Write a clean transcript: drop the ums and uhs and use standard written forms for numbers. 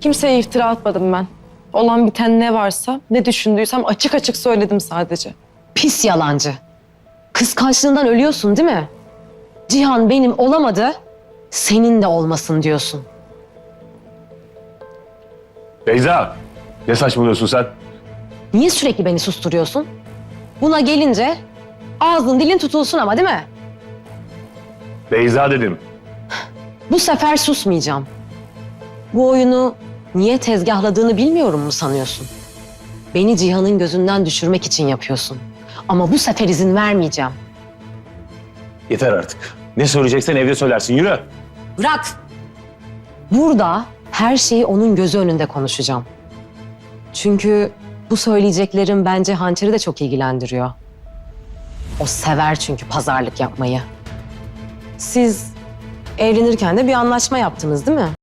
Kimseye iftira atmadım ben. Olan biten ne varsa, ne düşündüysem açık açık söyledim sadece. Pis yalancı. Kıskançlığından ölüyorsun değil mi? Cihan benim olamadı, senin de olmasın diyorsun. Beyza, ne saçmalıyorsun sen? Niye sürekli beni susturuyorsun? Buna gelince ağzın dilin tutulsun ama değil mi? Beyza dedim. Bu sefer susmayacağım. Bu oyunu niye tezgahladığını bilmiyorum mu sanıyorsun? Beni Cihan'ın gözünden düşürmek için yapıyorsun. Ama bu sefer izin vermeyeceğim. Yeter artık. Ne söyleyeceksen evde söylersin. Yürü. Bırak! Burada her şeyi onun gözü önünde konuşacağım. Çünkü bu söyleyeceklerim bence Hançer'i de çok ilgilendiriyor. O sever çünkü pazarlık yapmayı. Siz evlenirken de bir anlaşma yaptınız değil mi?